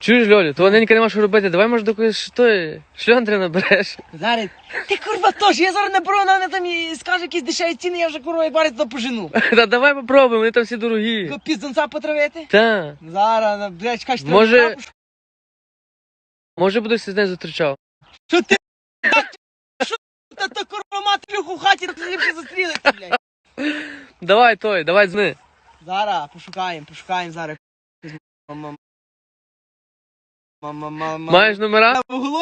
Чуєш, Льолю, то ненька нема що робити, давай, може, до когось шльондри набереш. Зараз, ти курва тож, я зараз наберу, вона там і скаже якісь дешеві ціни, я вже курва як барить то пожену. Та давай попробуємо, вони там всі дорогі. Піздонця потравити? Та. Зараз, блядь, чекай, що Може будеш з нею зустрічав. Що ти? Що та курва матрюху в хаті, ти ліпше застрілиться, блядь. Давай дзвони. Зараз, пошукаємо зараз. Маєш номера?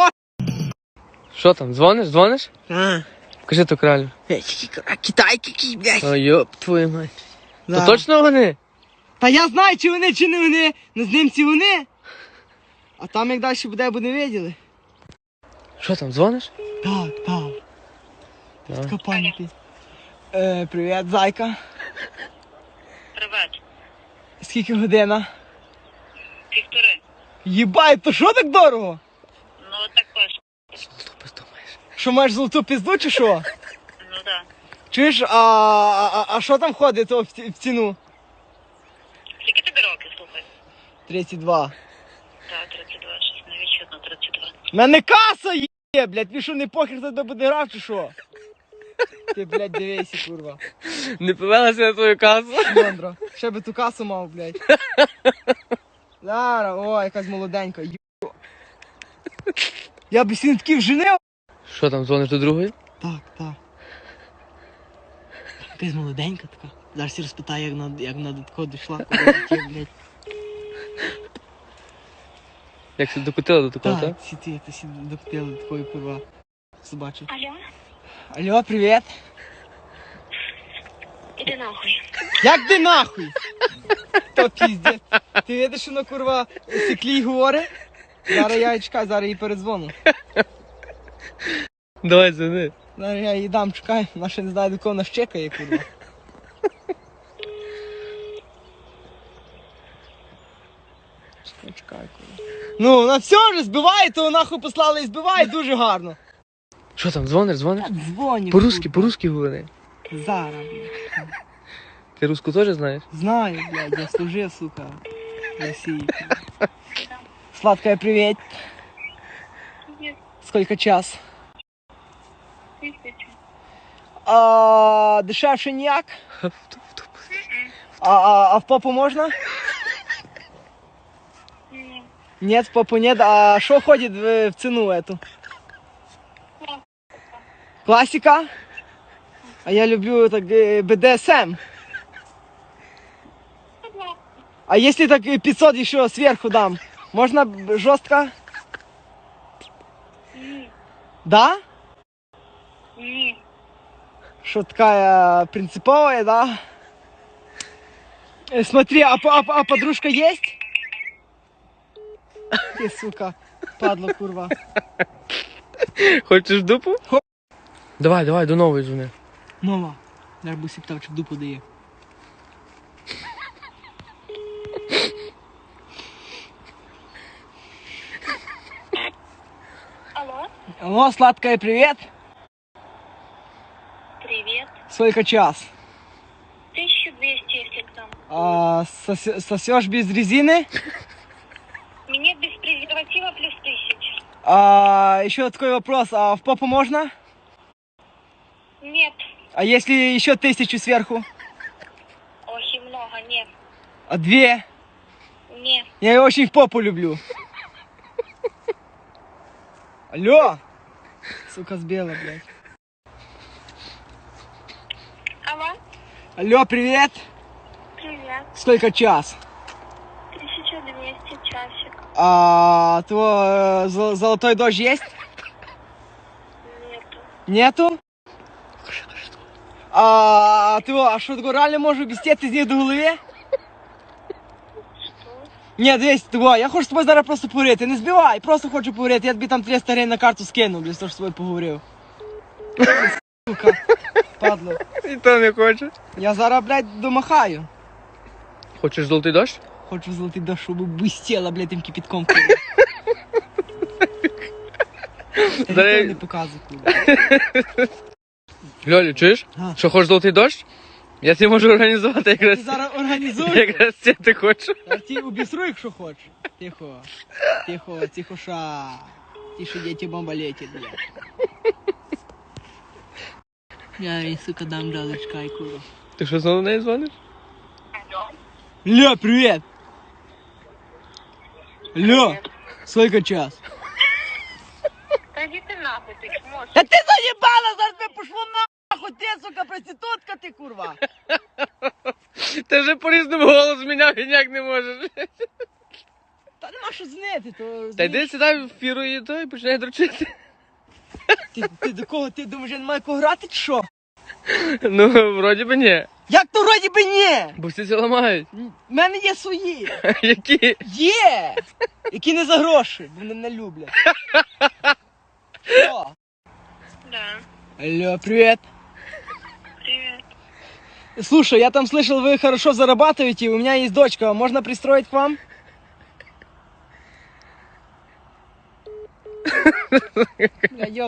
Що там, дзвониш? Кажи то кралю. А китайки якісь, блядь. Ой, йоп, твою мать. То Да. точно вони? Та я знаю, чи вони, чи не вони. Ну, з ним ці вони. А там як далі буде, бо не виділи. Що там, дзвониш? Так. Давай. Така паніка. Привіт, зайка. Привет. Скільки година? 1,5. Єбай, то що так дорого? Ну, також. Золоту пизду маєш. Що, маєш золоту пізду чи що? Ну, да. Чуєш, а що там ходить то в ціну? Скільки тобі років, слухай? 32. Так, 32, щось не відчутно, 32. В мене каса є, блядь, ви що, не похер за тебе буде грав чи що? Ти, блядь, дивися, курва. Не повелася на твою касу? Мондро, ще би ту касу мав, блядь. Зараз, о, якась молоденька. Я б сін такий вженив. Що там, дзвониш до другої? Так. Якась молоденька така. Зараз я розпитаю, як вона до такого дійшла, коли таке, блядь. Як ти докотила до такого, так? Так, ти докотила до такої курва. Собачі. Алло? Алло, привіт. Іди нахуй. Як ти нахуй? То піздець. Ти видиш, що на курва циклі говорить? Зараз я їй чекаю, зараз їй передзвону. Давай дзвони. Зараз я їй дам, чекай, вона ще не знає, до кого вона щекає, курва. Чекай, курва. Ну, вона все вже збиває, то нахуй послала і збиває дуже гарно. Що там, дзвониш? Дзвоню. По-русски говори. Зараз, блядь. Ти руску теж знаєш? Знаю, блядь, я служив, сука, в России. Сладкая, привет. Привет. Сколько час? 1000. Дешевше ніяк? А в попу можна? Ні. Нет, в попу нет. А что ходит в цену эту? Классика? А я люблю так БДСМ. А если так 500 еще сверху дам, можно жестко? Ні. Да? Ні. Что такая принциповая, да? Смотри, а подружка есть? Ты, сука, падла, курва. Хочеш дупу? Давай, до нової дзвони. Нова. Зараз би сіптав, чи дупу дає. Алло? Алло, сладкая, привет. Привет. Сколько час? 1200, если к нам. Сосешь без резины? Мне без презерватива плюс 1000. Еще такой вопрос, а в попу можно? Нет. А если еще 1000 сверху? Очень много, нет. А 2? Нет. Я очень в попу люблю. Алло! Сука, сбила, блядь. Алло? Алло, привет! Привет. Сколько час? 1200 часик. Золотой дождь есть? Нету. Нету? А что такое, реально можу без тебе з них до голови? Что? Ні, дивись, я хочу з тобою зараз просто поговорити. Не збивай, просто хочу поговорити. Я тобі там 300 гривень на карту скину, блядь, що з тобою поговорив. Сука, падло. І то не хочеш. Я зараз, блядь, домахаю. Хочеш золотий дощ? Хочу золотий дощ, щоб блистіла, блядь, тим кипятком. Я Зараз- не показую, куди. Льолю, чуєш? А. Що, хочеш золотий дощ? Я тебе можу організувати Ти якраз. зараз організуй. Якраз це ти хочеш. Я ті обісру, якщо хочеш. Тихо. Тихо, тихоша. Тише, діти, бомба летить, блядь. Я їй, сука, дам далечка, курва. Ти що знову до неї дзвониш? Ля, привет! Ля, сколько час? Та йди ти нахуй, ти можеш. Да ты заебала, зараз би пошло нахуй, ти, сука, проститутка ти, курва! Ти вже по-різному голос міняв і ніяк не можеш. Та нема що знити, то... Та йди сідай в фіру і той починай дрочити. Ти до кого, ти думаєш, я не маю кого грати, чи що? Ну, вроді би ні. Як то вроді би ні? Бо всі це ламають. В мене є свої. Які? Є! Які не за гроші, бо мене не люблять. Що? Да. Алло, привет. Привет. Слушай, я там слышал, вы хорошо зарабатываете, у меня есть дочка, можно пристроить к вам? Бля,